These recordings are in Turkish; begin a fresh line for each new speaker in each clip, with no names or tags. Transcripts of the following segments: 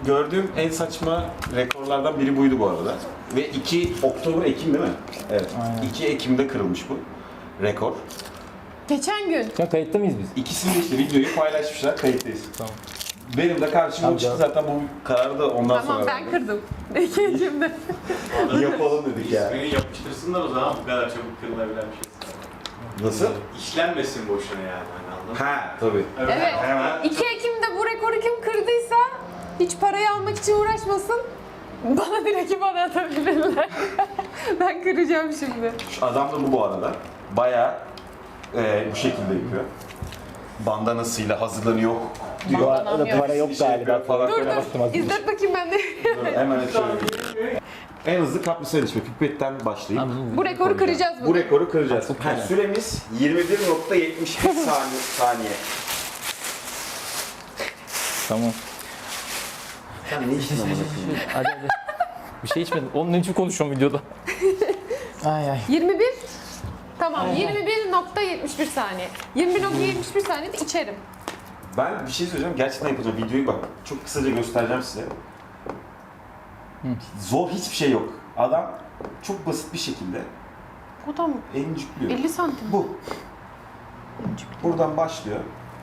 gördüğüm en saçma rekorlardan biri buydu bu arada. Ve 2 Ekim değil mi? Evet.
Aynen.
2 Ekim'de kırılmış bu rekor.
Geçen gün.
Şu an kayıtta mıyız biz?
İkisini de işte videoyu paylaşmışlar, kayıttayız.
Tamam.
Benim de karşıma
Tamam,
çıktı
canım.
zaten bu kararı da ondan
Tamam
sonra
ben kırdım. İki Ekim'de.
yapalım dedik ya.
İsmini yapıştırsınlar o zaman bu kadar çabuk kırılabilen bir şey.
Nasıl?
İşlenmesin boşuna yani. Hani anladın mı?
Ha tabii.
Evet.
Hemen.
2 Ekim'de bu rekoru kim kırdıysa hiç parayı almak için uğraşmasın. Bana direkt bana atabilirler. Ben kıracağım şimdi.
Şu adam da bu arada. Bayağı bu şekilde yapıyor. Bandanasıyla hazırlanıyor diyor.
Bandanam yok.
Para yok
Bir şey
galiba.
yapıyor falan.
Dur dur. İzlet bakayım ben de.
Dur, hemen açıyorum. En hızlı kaprisel içme. Pipetten başlayıp
Bu rekoru kıracağız
bu
bugün.
rekoru kıracağız.
Çok
Ha,
güzel.
süremiz 21.71 saniye.
Tamam.
Sen ne içtin amına koyayım?
Hadi hadi. Bir şey içmedim. Onun için konuşuyorum videoda. Ay ay.
21. Tamam 21.71 saniye. 21.71 saniyede içerim.
Ben bir şey söyleyeceğim. Gerçekten yapacağım. Videoyu bak. Çok kısaca göstereceğim size. Zor hiçbir şey yok. Adam çok basit bir şekilde
O da mı?
elini
50 santim.
Bu. Buradan başlıyor.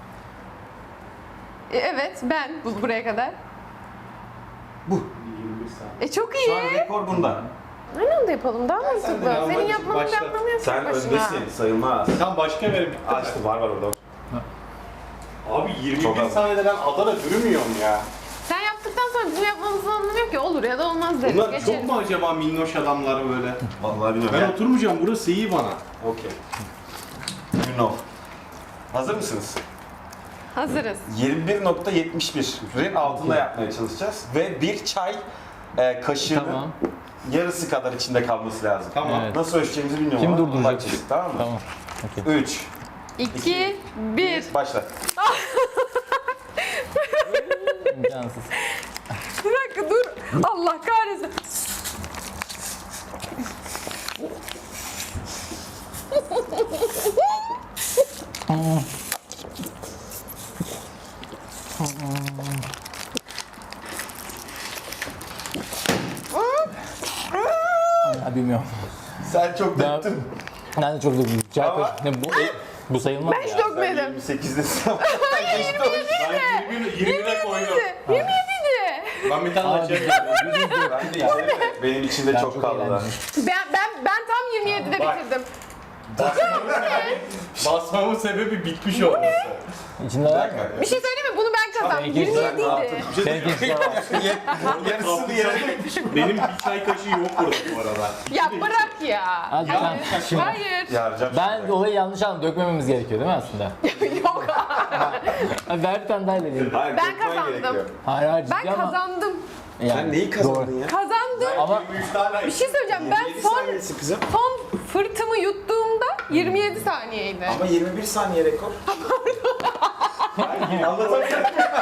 Evet ben buraya kadar.
Bu.
21 saniye.
Çok
Şu an
iyi.
rekor bunda.
Aynı anda yapalım daha mantıklı.
de
Senin
bak-
yapmanın bir
başla.
anlamı yok
Sen
tek başına.
öndesin. Sayılmaz.
Tam başka verin.
Açtı. Var orada.
Abi 21
Çok az.
saniyede ben Adana dürümüyorum ya.
Sen yaptıktan sonra bizim yapmamızın anlamı yok ki. Olur ya da olmaz deriz.
Bunlar
Geçelim.
çok mu acaba minnoş adamlar böyle?
Vallahi bilmiyorum.
Ben oturmayacağım, burası iyi bana.
Okey. You know. Hazır mısınız?
Hazırız.
21.71'in altında yapmaya çalışacağız. Ve bir çay kaşığının
Tamam.
yarısı kadar içinde kalması lazım.
Tamam.
Evet.
Nasıl ölçeceğimizi bilmiyorum
Kim
ama
durduracak
bakacağız,
bizi?
tamam mı?
Tamam. Okey.
3,
2, 1.
başla.
İmkansız.
Bir dakika dur. Allah kahretsin.
Ya bilmiyorum.
Sen çok
Ben,
döktün.
ben de çok durdum.
Ama-
Bu sayılmaz
Ben hiç
ya.
dökmedim.
28'desin ama. Geçti o iş.
Ben 20'ye koydum.
27'di.
Ben bir tane açayım.
Ben de içerim de benim içinde
Ben
çok
çok
kaldı.
eğlendim.
Ben tam 27'de
Bak.
bitirdim.
Basmamın sebebi bitmiş olması.
İçinde var mı?
Bir şey söyleyeyim mi? Bunu ben kazandım.
Benimki hiç
27'ydi.
Seninki içinde var.
Yarısını yere.
Benim bir çay kaşığı yok burada bu arada.
Ya bırak ya.
Hadi
Hayır.
sen şimdi.
Hayır.
Yaracağım.
Ben olayı yanlış anladım. Dökmememiz gerekiyor değil mi aslında?
Yok.
Hadi ver bir tane daha ilerleyelim.
Hayır,
Ben
dökmen
kazandım.
gerekiyor.
Hayır hayır ciddi
Ben
ama.
kazandım.
Yani,
Sen neyi kazandın ya?
Kazandım.
Ama
23 tane
Bir şey söyleyeceğim. Ben
27
son
saniyesi kızım.
fırtımı yuttuğumda 27 saniyeydi.
Ama 21 saniye rekor. Hayır, anlatamıyorum.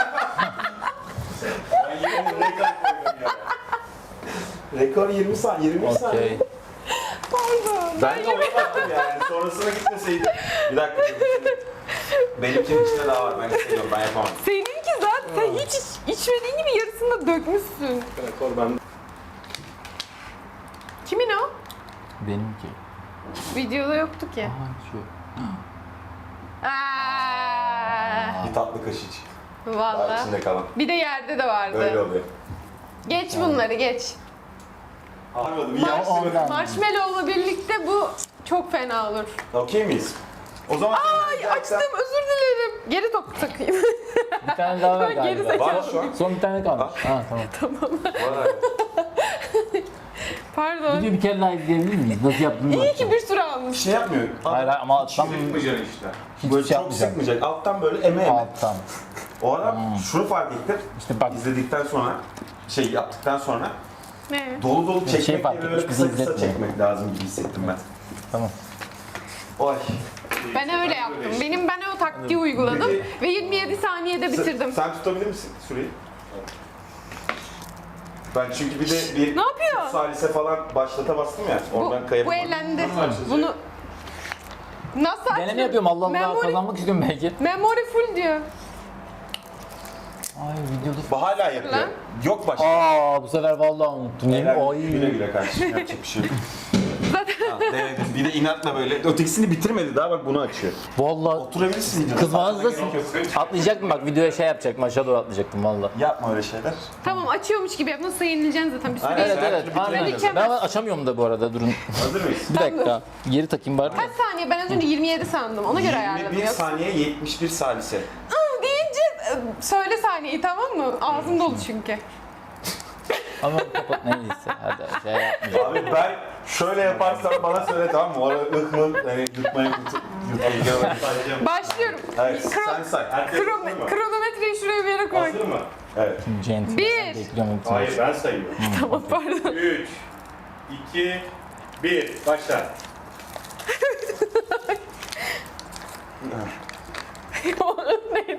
Ben yine onu reklam koydum ya.
Rekor 20 saniye, 21 saniye.
okey.
Pardon.
Ben de ona baktım yani. Sonrasına gitmeseydim. Bir dakika. Benimkinin içinde daha var. Ben istemiyorum. Ben yapamam.
Seninki zaten hiç içmediğin gibi yarısını da dökmüşsün.
Rekor bende.
Kimin o?
Benimki.
Videoda yoktu ki.
Aha şu.
Aa,
Bir tatlı kaşık. Daha
Vallahi.
içinde kalan.
Bir de yerde de vardı.
Böyle oluyor.
Geç bunları geç.
Anladım. Bir yansımadı.
Ondan.
Marshmallow'la birlikte bu çok fena olur.
Okey miyiz? O zaman
Ay açtım özür dilerim. Geri takayım.
Bir tane daha var
Geri
galiba.
Var şu an.
Son bir tane kalmış. Ha tamam.
Var.
Pardon.
Videoyu bir kere daha izleyebilir miyiz? Nasıl yaptığını
İyi
bakacağım.
ki bir sürü
Bir
almış.
şey yapmıyor.
Hayır hayır ama alttan
Sıkmayacaksın işte.
Böyle
hiçbir şey
çok
yapmayacağım.
sıkmayacak. Alttan böyle eme eme.
Alttan.
O adam şunu fark ettim.
İşte bak
İzledikten sonra, şey yaptıktan sonra
Ne?
dolu dolu
şey
çekmek
fark
yerine
etmiş,
böyle
bizi
kısa kısa
izletmiyor.
çekmek lazım gibi hissettim ben.
tamam.
Oy.
Ben öyle yaptım. Ben o taktiği uyguladım ve 27 saniyede bitirdim.
Sen tutabilir misin süreyi? Ben çünkü bir de bir
Ne yapıyor?
salise falan başlata bastım ya. Oradan
Bu
kayıp.
eğlendi. Bunu nasıl açtın?
Deneme yapıyorum Allah Allah
Memory,
kazanmak istiyorum belki.
memory full diyor.
Ay videoda.
Bu hala yapıyor.
Lan.
Yok başka.
Bu sefer vallahi unuttum.
Helal, güle güle kardeşim, yapacak bir şey yok.
Zaten
Ha, denedim. Bir de inatla böyle. Ötekisini bitirmedi daha, bak bunu açıyor.
Vallahi
Oturabilirsin.
kızmanızdasın. Atlayacaktım bak, videoya şey yapacaktım, aşağı doğru atlayacaktım valla.
Yapma öyle şeyler.
tamam, açıyormuş gibi yap. Nasıl yenileceksin zaten bir sürü.
Aynen.
Evet
Her
evet.
türlü
Aynen.
bitiremez.
Ben açamıyorum da bu arada, durun.
Hazır mıyız?
Bir dakika. Geri takayım bari.
Kaç saniye? Ben az önce 27 sandım. Ona göre ayarladım.
21
Yoksa
saniye 71 salise.
deyince söyle saniyeyi, tamam mı? Ağzım dolu çünkü.
Ama kapat, neyse. Hadi şey yapmayacağım.
Abi ben şöyle yaparsam bana söyle, tamam mı? Orada hani yutmayı yutmayı.
Başlıyorum.
Evet, sen say.
Herkes hazır mı?
Kronometreyi şuraya bir yere koy.
Hazır mı?
Evet.
Centil.
Bir.
Bekliyorum.
Hayır, ben sayıyorum.
Tamam, pardon.
3, 2, 1, başla.
O neydi?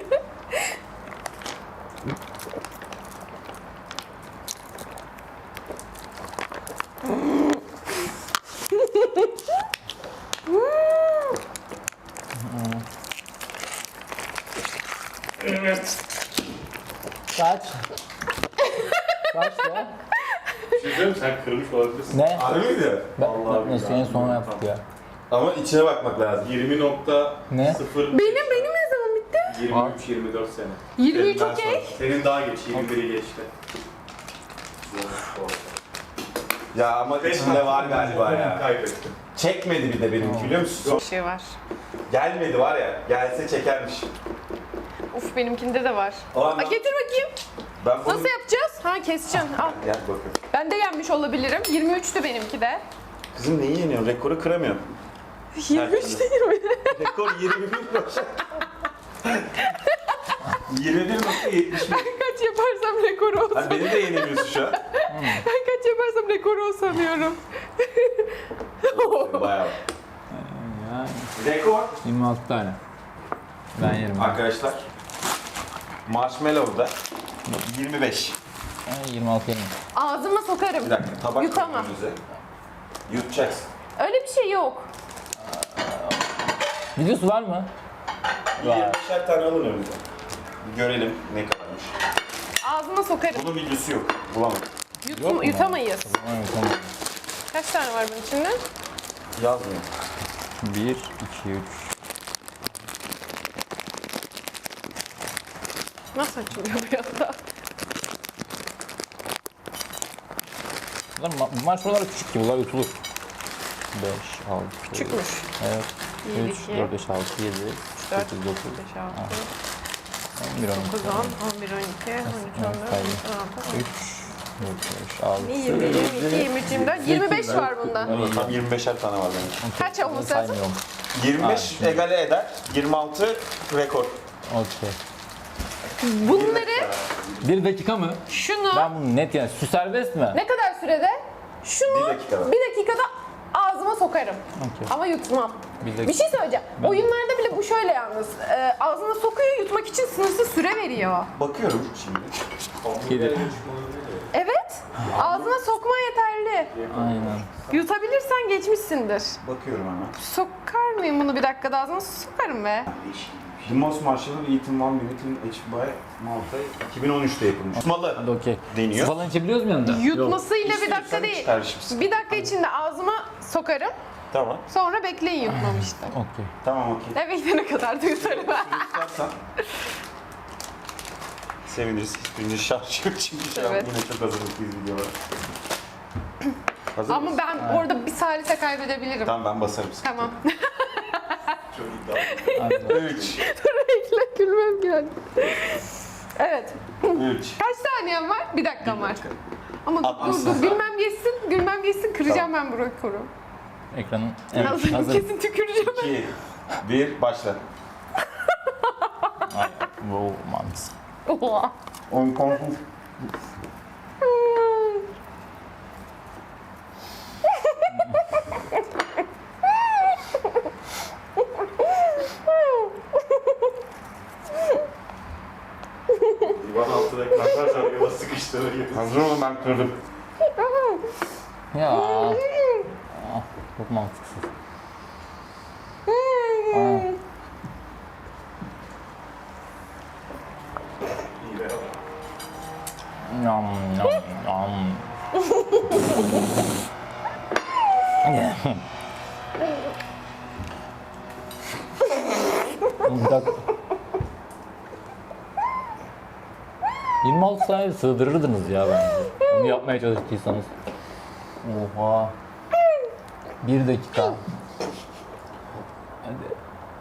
Kaç? Kaç ya?
Bir şey söyleyeyim mi? Sen kırmış olabilirsin.
Ne?
Harbi miydi?
Vallahi
Neyse en son yaptık ya.
Ama içine bakmak lazım.
20.0
Ne?
0
Benim ne zaman bitti?
23-24 sene.
23
Senin
okey.
Senin daha geç, 21'i geçti.
Ya ama içinde var galiba ya.
Kaybettim.
Çekmedi bir de benimki, biliyor musun?
Bir şey var.
Gelmedi var ya. Gelse çekermiş.
Uf, benimkinde de var.
O
Aa,
anda
getir bakayım.
ben bunu...
Nasıl yapacağız? Ha, keseceksin. Al.
Gel bakın.
Ben de yenmiş olabilirim. 23'tü benimki de.
Kızım neyi yeniyorsun? Rekoru kıramıyorum.
23 değil mi?
Rekor 21 başa. 21.71.
Kaç yaparsam rekoru olsun.
Hani beni de yenemiyorsun şu an.
Ben kaç yaparsam rekoru o sanıyorum.
Bayağı.
Ya,
Rekor
26 tane. Ben yerim.
arkadaşlar. Marshmallow'da 25.
26 yerim.
Ağzıma sokarım.
Bir dakika, tabak
Yutamam.
koy önünüze. Yutacaksın.
Öyle bir şey yok.
Videosu var mı?
Bir 20'şer tane alın önünüze. Görelim ne kadarmış.
Ağzıma sokarım.
Bunun videosu yok. Bulamadım.
Yok mu?
Yutamayız.
Tamam, tamam.
Kaç tane var bunun içinde?
Yazmıyor.
1, 2, 3.
Nasıl açılıyor bu yanda?
Marshmallowlar küçük gibi, bunlar yutulur. 5, 6,
Küçükmüş.
Evet.
1,
3,
2,
4, 5, 6, 7,
4,
8, 9,
5, 6,
11, 12,
9, 10, 11, 12, 13, 14, 15, 16,
3, 4, 5, 6,
20, 22, 23, 24, 25 var bunda.
Tam 25'er tane var benim.
Kaç olması lazım?
saymıyorum.
25 egale eder. 26 rekor.
Okey.
Bunları,
1 dakika mı?
şunu
Ben bunu net yani, su serbest mi?
ne kadar sürede? Şunu
Bir dakikada.
bir dakikada ağzıma sokarım.
Okey.
Ama yutmam.
Bir dakika.
Bir şey söyleyeceğim. Oyunlarda bile bu şöyle yalnız. Ağzına sokuyor, yutmak için sınırsız süre veriyor.
Bakıyorum şimdi.
7.
Evet. Ağzına sokma yeterli.
Aynen.
Yutabilirsen geçmişsindir.
Bakıyorum hemen.
Sokar mıyım bunu bir dakikada ağzına? Sokarım be.
The Most Marshmallow Eaten One Minute in H by Malta 2013'te yapılmış.
Hadi
Malı
okey.
deniyor.
Su falan içebiliyoruz mu yanında?
Yutmasıyla bir
İstiyorsan
dakika değil.
iç kardeşim.
Bir dakika içinde ağzıma sokarım.
Tamam.
Sonra bekleyin yutmam işte.
Okey.
Tamam okey.
Ne bekleyene kadar da yutarım.
Tutarsan seviniriz. Hiçbirinin şarjı yok çünkü şu an
Evet.
yine çok hazırlıklıyız videolar. Hazır
Ama
mısın?
ben orada bir salise kaybedebilirim.
Tamam ben basarım.
Tamam.
Çok iddialı.
Hadi.
3,
Bekle, gülmem geldi. Evet.
3.
Kaç saniyem var? Bir dakikam var. Ama dur
60
dur, gülmem geçsin, kıracağım ben bu rekoru.
Ekranın evet,
Hazır,
hazır.
kesin tüküreceğim.
2, 1, başla.
Ay, wow, mantıs.
Oha.
10 konfus.
Divan altına ekranlar şarkıda sıkıştırır.
Hazır olun, ben kırdım.
Ya. Ah, çok mantıksız. Aa.
İyi be.
Yam yam yam. Bir dakika. 26 saniye sığdırırdınız ya bence. Bunu yapmaya çalıştıysanız. Oha. 1 dakika. Hadi.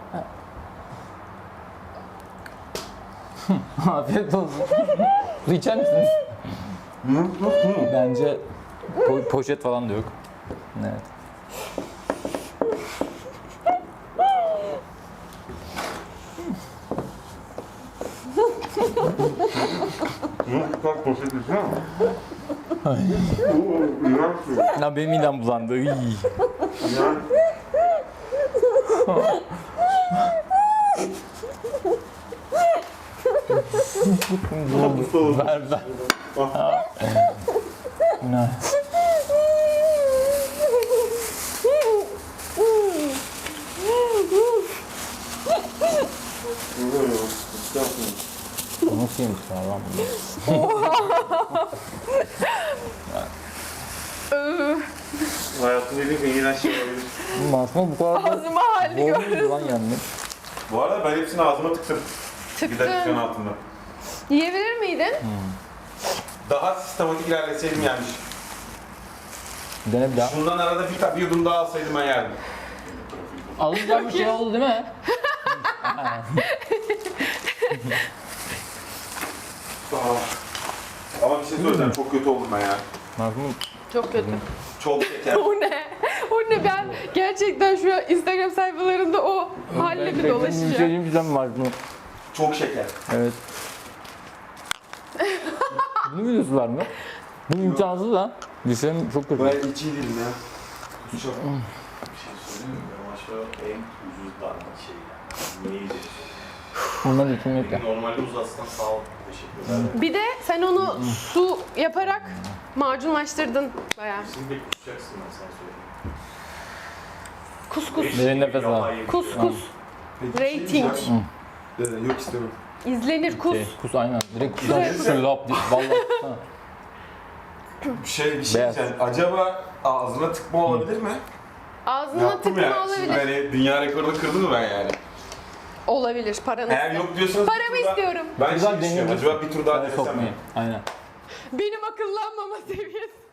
Afiyet olsun. Su içer misiniz? Bence poşet falan da yok. Evet. Ya benim midem bulandı. Iy. Ver ver. Ne? Bu nasıl yemiş lan bunu?
Hayatımda yediğim en iğrenç şey olabilir.
Aslında bu kadar da
Ağzıma halini
bol
gör.
muydu lan yani?
Bu arada ben hepsini ağzıma tıktım. Bir dakikanın
Tıktın.
altında.
Yiyebilir miydin?
Daha sistematik ilerleseydim yenmiş.
Dene bir daha.
Şundan arada bir yudum daha alsaydım ben yerdim.
Alınacak bir şey oldu değil mi?
Ama bir şey söyleyeceğim, çok kötü oldum ben ya.
Mahmut.
Çok kötü.
Çok şeker.
O ne? O ne? Ben gerçekten şu an Instagram sayfalarında o halle mi
Bir
dolaşacağım?
şey güzel Mahmut.
Çok şeker.
Evet. Bunu biliyorsunuz mı? Bu imkansız lan. Düşünün çok kötü.
Ben hiç iyi değilim ya. Çok.
Bir şey söyleyeyim mi? Ama şu en ucuz darma şey yani. Niye yiyeceğiz?
Bundan için yok ya.
Normalde uzatsın sağ ol. Teşekkür ederim.
Bir de sen onu su yaparak macunlaştırdın bayağı.
Şimdi de kusacaksın ben sana söyleyeyim.
Kuskus.
Derin nefes al.
Kus. Rating.
Yok istemem.
İzlenir kus.
Kus aynen. Direkt
Şuraya
kusan şöyle lap diye. Vallahi kussana.
Bir şey
Beyaz.
diyeceğim. Acaba ağzına tıkma olabilir mi?
Ağzına
Yaptım
tıkma
ya. Şimdi
olabilir.
hani dünya rekorunu kırdım mı ben yani?
Olabilir. Paranı.
Eğer yok diyorsanız
Paramı
bir tur daha-
istiyorum.
Ben
Güzel
şey düşünüyorum.
deneyebilirsin.
Acaba bir tur daha
Ben
denesem mi?
sokmayayım. Aynen.
Benim akıllanmama seviyesi.